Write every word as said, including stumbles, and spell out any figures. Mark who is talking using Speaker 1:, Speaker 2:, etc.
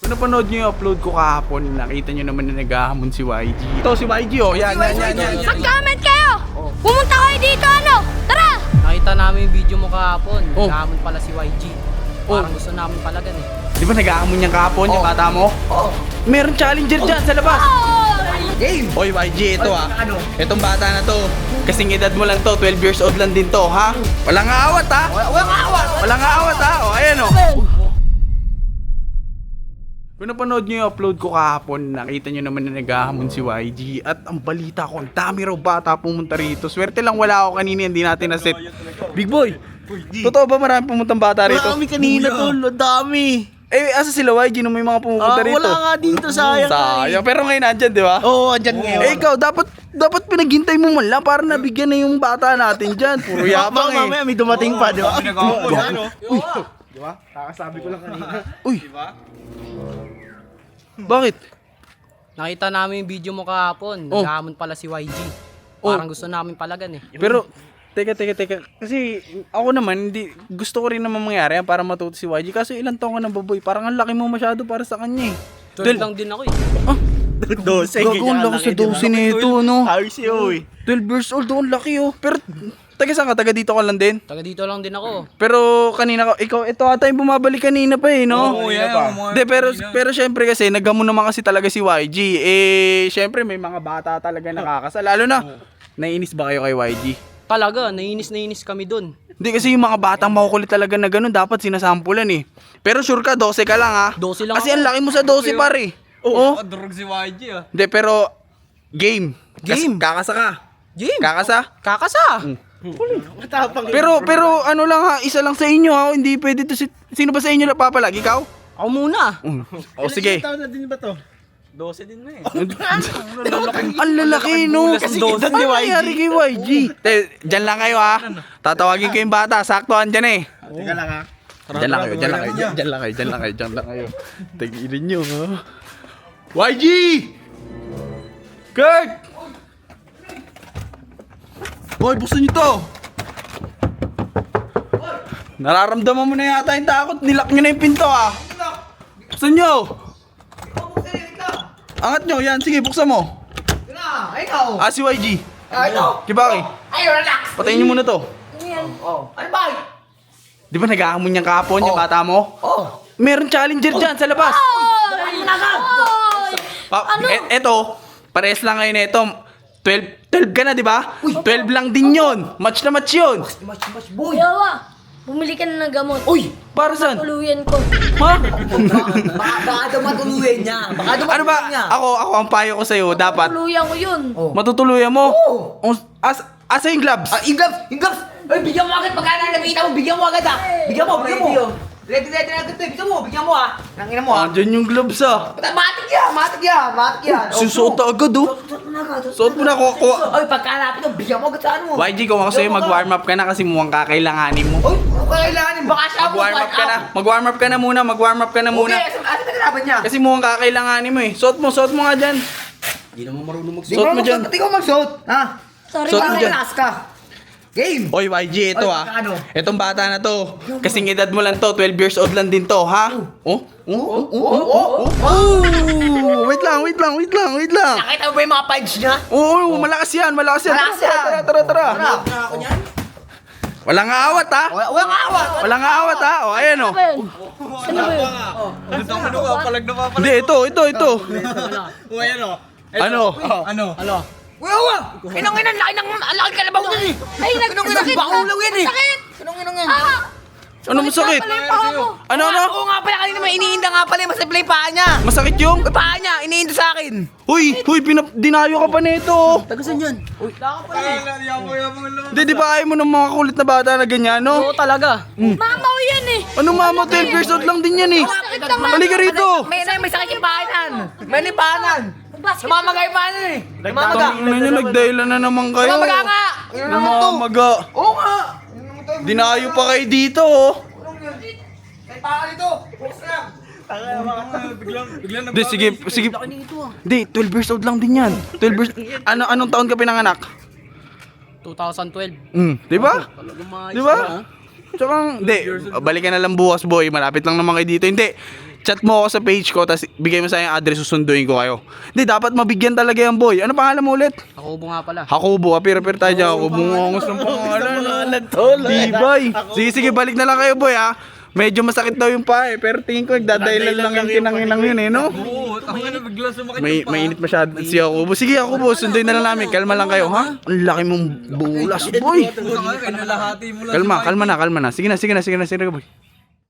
Speaker 1: Napanood nyo yung upload ko kahapon, nakita nyo naman na naghahamon si Y G. Ito si Y G oh, yan, yan, yan, yan.
Speaker 2: Mag-comment kayo! Pumunta kayo dito, ano? Tara!
Speaker 3: Nakita namin yung video mo kahapon.
Speaker 1: Oh.
Speaker 3: Naghahamon pala si Y G. Parang
Speaker 1: Oh.
Speaker 3: gusto namin palagan eh.
Speaker 1: Di ba naghahamon niyang kahapon yung bata mo?
Speaker 4: Oo.
Speaker 1: Meron challenger dyan sa labas.
Speaker 2: Oh!
Speaker 4: Game!
Speaker 1: Oy Y G, ito ah.
Speaker 4: Ano?
Speaker 1: Itong bata na to, kasing edad mo lang to, twelve years old lang din to, ha? Walang aawat ha?
Speaker 4: Wala, walang awat!
Speaker 1: Walang aawat ha? O, ayan o. Kung napanood nyo yung upload ko kahapon, nakita nyo naman na naghahamon si Y G. At ang balita ko, ang dami raw bata pumunta rito. Swerte lang wala ako kanina, hindi natin na-set. Big boy, totoo ba marami pumuntang bata rito?
Speaker 4: Marami kanina tol, ang dami!
Speaker 1: Eh, asa sila Y G nung may mga pumunta
Speaker 4: Ah,
Speaker 1: rito?
Speaker 4: wala nga dito, sayang.
Speaker 1: Sayang, pero ngayon nandyan, di ba?
Speaker 4: Oo, andyan ngayon.
Speaker 1: Eh, ikaw, dapat dapat pinaghintay mo man lang para nabigyan na yung bata natin dyan. Puro yabang eh.
Speaker 4: Mamaya may dumating pa, di ba?
Speaker 1: Uy, uy. Bakit?
Speaker 3: Nakita namin yung video mo kahapon.
Speaker 1: Oh.
Speaker 3: Naghahamon pala si Y G.
Speaker 1: Oh.
Speaker 3: Parang gusto namin palagan eh.
Speaker 1: Pero, teka, teka, teka. Kasi, ako naman, hindi, gusto ko rin naman mangyari yan para matuto si Y G. Kaso ilang taon ka na baboy? Parang ang laki mo masyado para sa kanya eh.
Speaker 3: twelve lang din ako eh.
Speaker 1: Ah,
Speaker 4: Dose,
Speaker 1: gago, ang lakas sa dose nito, no?
Speaker 4: Ayos yun, uy.
Speaker 1: twelve years old, oh, ang laki oh. Pero, taga saan ka? Taga dito ka lang din?
Speaker 3: Taga dito lang din ako.
Speaker 1: Pero kanina ka, ikaw, ito ata yung bumabalik kanina pa eh, no?
Speaker 4: Oo, yan,
Speaker 1: De, pero, pero syempre kasi, naggamon naman kasi talaga si Y G. Eh, syempre may mga bata talaga nakakasal. Lalo na, naiinis ba kayo kay Y G?
Speaker 3: Talaga, nainis nainis kami dun.
Speaker 1: Hindi kasi yung mga batang makukulit talaga na ganun, dapat sinasampulan eh. Pero sure ka, twelve ka lang ha?
Speaker 3: twelve lang
Speaker 1: Kasi
Speaker 3: ako.
Speaker 1: ang laki mo sa twelve pare. Oo.
Speaker 5: Durog si Y G ah.
Speaker 1: Hindi, pero, game.
Speaker 3: Game?
Speaker 1: Kas- kakasa ka.
Speaker 3: Game!
Speaker 1: Kakasa?
Speaker 3: Kakasa!
Speaker 4: Matapang.
Speaker 1: Pero, pero ano lang ha, isa lang sa inyo ha, hindi pwede to si... Sino ba sa inyo na papalag? Ikaw?
Speaker 3: Ako muna.
Speaker 1: O sige.
Speaker 4: Ilang taon na din ba to?
Speaker 5: dose din na eh.
Speaker 1: Ang lalaki, no?
Speaker 4: Kasi
Speaker 1: Ano
Speaker 4: edad ni Y G.
Speaker 1: nangyari kay Y G? Te, dyan lang kayo, ha? Tatawagin ko yung bata. Saktoan dyan, eh.
Speaker 4: Teka lang ha.
Speaker 1: Dyan lang kayo, dyan lang kayo, dyan dyan lang kayo, dyan lang kayo, dyan lang kayo. Tigilin nyo, ha? Y G! Kurt! Boy, buksan nyo to! Nararamdaman mo na yata yung takot. Nilak nyo na yung pinto, ha? Buksan nyo! Angat nyo, yan. Sige, buksan mo.
Speaker 4: Ay, ikaw!
Speaker 1: Ah, si Y G.
Speaker 4: Ay, ito!
Speaker 1: Kibaki,
Speaker 4: Ay, relax!
Speaker 1: patayin nyo muna to.
Speaker 4: Oh, ano ba?
Speaker 1: Di ba naghahamon niyang kahapon yung
Speaker 4: Oh.
Speaker 1: bata mo?
Speaker 4: Oh!
Speaker 1: Meron challenger dyan sa labas.
Speaker 4: Ay, naga!
Speaker 1: Pa- e- eto, parehas lang ngayon eto. twelve, twelve ka na, di ba? twelve lang din yon. Match na match yun.
Speaker 4: Mas, mas, boy!
Speaker 2: Yawa! Bumili ka na ng gamot.
Speaker 4: Uy!
Speaker 1: Para saan?
Speaker 2: Tuluyan ko.
Speaker 1: Ha?
Speaker 4: Baka, baka daw matuluyan niya. Baka daw
Speaker 1: Ano ba?
Speaker 4: matuluyan niya.
Speaker 1: Ako, ako ang payo ko sa'yo. Dapat,
Speaker 2: Tuluyan ko yun.
Speaker 4: Oh.
Speaker 1: matutuluyan mo.
Speaker 4: Oo.
Speaker 1: Oh, As, asa yung gloves?
Speaker 4: Ah, yung gloves! Yung gloves! Ay, bigyan mo agad pagka na nakita mo. Bigyan mo agad ah. Bigyan mo, bigyan mo. Ready, ready na agad to. Bigyan mo, bigyan mo ah. Nangina mo ah.
Speaker 1: Andyan yung gloves ah.
Speaker 4: Matik yan, matik yan, matik yan.
Speaker 1: Susuot na agad oh.
Speaker 4: Suot mo na agad.
Speaker 1: Suot mo na ako. ako-
Speaker 4: Ay, pagkalapit mo, bigyan mo agad sa ano.
Speaker 1: Y G, kung ako sa'yo, mag-warm up ka na kasi mukhang kakailanganin mo.
Speaker 4: Uy, ano kailangan? Baka siya ako.
Speaker 1: Mag-warm up ka na. Mag-warm up ka na muna. Mag-warm up ka na muna.
Speaker 4: Okay, ano na kalaban niya?
Speaker 1: Kasi mukhang kakailanganin mo eh. Suot mo, suot mo nga dyan.
Speaker 4: Hindi naman marunong magsuot.
Speaker 1: Suot mo dyan.
Speaker 4: Hindi ko magsuot. Ha?
Speaker 2: Sorry,
Speaker 1: Suot mo
Speaker 4: Parang
Speaker 1: dyan.
Speaker 4: relax ka. Game!
Speaker 1: Oy, Y G, ito
Speaker 4: Oy,
Speaker 1: ah.
Speaker 4: ano?
Speaker 1: Itong bata na to. Kasing edad mo lang to, twelve years old lang din to, ha? Oh? Oh? Oh?
Speaker 4: Oo, oo, oo.
Speaker 1: Oh! Wait lang, wait lang, wait lang, wait lang.
Speaker 4: Nakita mo ba yung mga punch niya?
Speaker 1: Oo, malakas yan, malakas yan.
Speaker 4: Malakas
Speaker 1: Tara,
Speaker 4: yan.
Speaker 1: Tara, tara, tara.
Speaker 4: Tara. ako niyan?
Speaker 1: Walang aawat, ha?
Speaker 4: Wala, walang awat.
Speaker 1: Walang aawat, ha? O, ayan, o.
Speaker 2: Ano ba yun? Ano ba yun?
Speaker 5: Ano daw ano ka? Palag na papalag.
Speaker 1: Hindi, ito, ito, ito.
Speaker 5: O ayan o.
Speaker 1: Ano?
Speaker 5: Ano?
Speaker 3: Ano?
Speaker 4: Wala, wala. Inong inang laki ng laki kalabaw niyan eh.
Speaker 2: Ay,
Speaker 4: Inong inang
Speaker 2: nagsakit
Speaker 4: bakulaw yan eh.
Speaker 2: Sakit!
Speaker 4: Inong inong yan.
Speaker 2: Ah!
Speaker 1: Ano masakit?
Speaker 2: Pala yung paa mo.
Speaker 1: Ano, ano?
Speaker 4: Oo nga pala, kanina may iniinda nga pala yung masipla yung paa niya.
Speaker 1: Masakit yung?
Speaker 4: Yung paa niya, iniinda sa akin.
Speaker 1: Huy, huy, pinap dinayo ka pa nito.
Speaker 4: Tagasan yan. Uy,
Speaker 5: Yabang-yabang lang.
Speaker 1: Hindi, di ba ayaw mo ng mga kulit na bata na ganyan, no?
Speaker 3: Oo talaga.
Speaker 2: Mamaw yan eh.
Speaker 1: Ano mama, twelve years old lang din yan eh.
Speaker 2: Sakit naman.
Speaker 1: Halika rito.
Speaker 4: May, may, may sakit yung paanan. May may paanan.
Speaker 2: Basket.
Speaker 4: Namamaga yung paanan eh. Namamaga.
Speaker 1: Tangina nyo, nagdahilan na naman kayo.
Speaker 4: Namamaga nga. Yun naman to.
Speaker 1: Namamaga.
Speaker 4: Oo nga.
Speaker 1: Dinayo pa kayo dito, oh.
Speaker 4: May paa dito. Bukas lang.
Speaker 5: Biglang, biglang
Speaker 1: Hindi, sige, sige. Hindi, twelve years old lang din yan. twelve years, ano, anong taon ka pinanganak?
Speaker 3: twenty twelve.
Speaker 1: Hmm, di ba?
Speaker 3: Talagang mga
Speaker 1: Di ba? Tsaka, hindi, balikan na lang bukas, boy. Malapit lang naman kayo dito. Hindi, chat mo ako sa page ko, tapos bigay mo sa yung address, susunduin ko kayo. Hindi, dapat mabigyan talaga yan, boy. Ano pangalan mo ulit?
Speaker 3: Ako nga pala.
Speaker 1: Hakubo, apir-apir tayo dyan. Hakubo, ngongos ng pangalan. Di, boy. Sige, sige, balik na lang kayo, boy, ha? Medyo masakit daw yung pa eh, pero tingin ko nagdadailan lang yung tinanginang yun eh, no?
Speaker 5: Oo, tangin na bigla sumakit
Speaker 1: May
Speaker 5: yung paa.
Speaker 1: mainit masyado si Hakubo. Sige, Hakubo, sunduin na lang namin. Kalma lang kayo, ha? Ang laki mong bulas, boy.
Speaker 5: Puta nga, kinalahati mo lang.
Speaker 1: Kalma, kalma na, kalma na. Sige na, sige na, sige na, sige na, boy.